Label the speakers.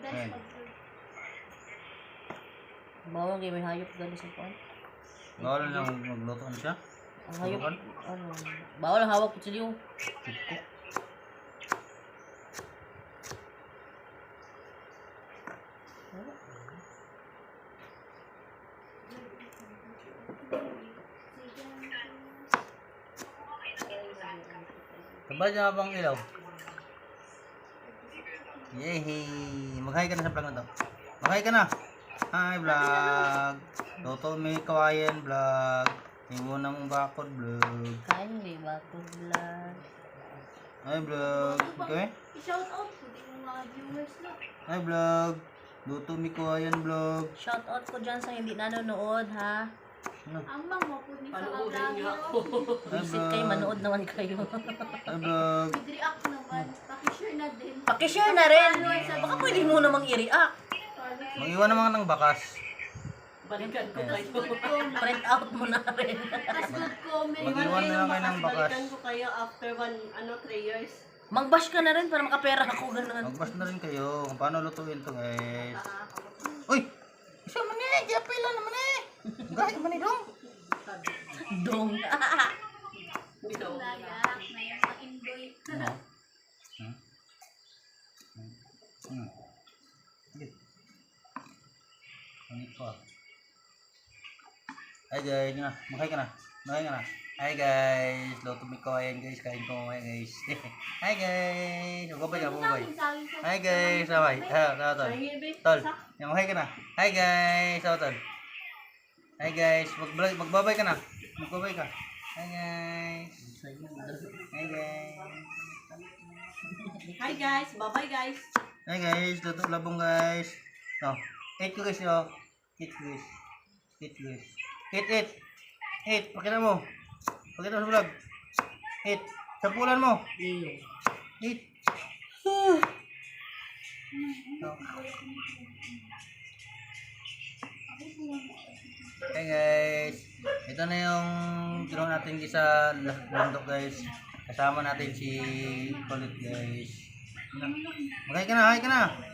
Speaker 1: Ayan.
Speaker 2: Bawal kayo may hayop gali sa kuan.
Speaker 1: Bawal lang magluto siya.
Speaker 2: Ang hayop, bawal ang hawak kutsilyo.
Speaker 1: Tiko. Sabay niya bang ilaw? Yehey! Mag-hi ka na sa vlog na to. Mag-hi ka na! Hi vlog! Toto may kawayan vlog. Iwo na mong bakod vlog.
Speaker 2: Kain may bakod vlog.
Speaker 1: Hi vlog! Okay?
Speaker 3: I-shout out ko din mga viewers na.
Speaker 1: Hi vlog! Toto may kawayan vlog.
Speaker 2: Shout out ko dyan sa hindi nanonood ha.
Speaker 3: Ang mga po ni sa
Speaker 4: Panuorin niya ako.
Speaker 1: Hi
Speaker 2: Visit kayo,
Speaker 1: vlog!
Speaker 2: manood naman kayo.
Speaker 1: Hi vlog!
Speaker 3: With react naman. Pakishare na din.
Speaker 2: Pakishare na rin. Baka pwede mo namang i-react.
Speaker 1: Mag-iwan naman ng bakas.
Speaker 4: Balikan ko kayo.
Speaker 3: Good comment.
Speaker 2: Print out mo na rin.
Speaker 3: Tas good comment.
Speaker 1: Mag-iwan na lang kayo ng bakas.
Speaker 4: Balikan ko kayo after 3 years.
Speaker 2: Mag-bash ka na rin para makapera ako ganun.
Speaker 1: Mag-bash na rin kayo kung paano lutuin to guys. Uy! Isa man eh! Gapila naman eh! Gahit man eh dong!
Speaker 2: Dong.
Speaker 4: Bitaw.
Speaker 3: Layak na yung mga indoy.
Speaker 1: Ano? Sige. Ano pa? Hi guys! Yun na. Mag-hi ka na. Mag-hi ka na. Hi guys! Luto may kawayan guys. Kain ko mamaya guys. Hi guys! Magabay ka, magabay. Hi guys! Sabay. Sawa tol. Tol. Yung hi ka na. Hi guys! Sawa tol. Hi guys! Magbabay ka na. Magbabay ka. Hi guys! Hi guys!
Speaker 4: Hi guys. Bye-bye guys.
Speaker 1: Hi guys! Luto labong guys. No. Eat ko guys yo. Eat guys. Eat guys. Eat. Eat. Pakita mo. Pakita mo sa vlog. Eat. Sampulan mo. Eat. No. Hey guys, ito na yung ginawa natin sa bundok guys. Kasama natin si Kulit guys. Mag-hi ka na, hi ka na.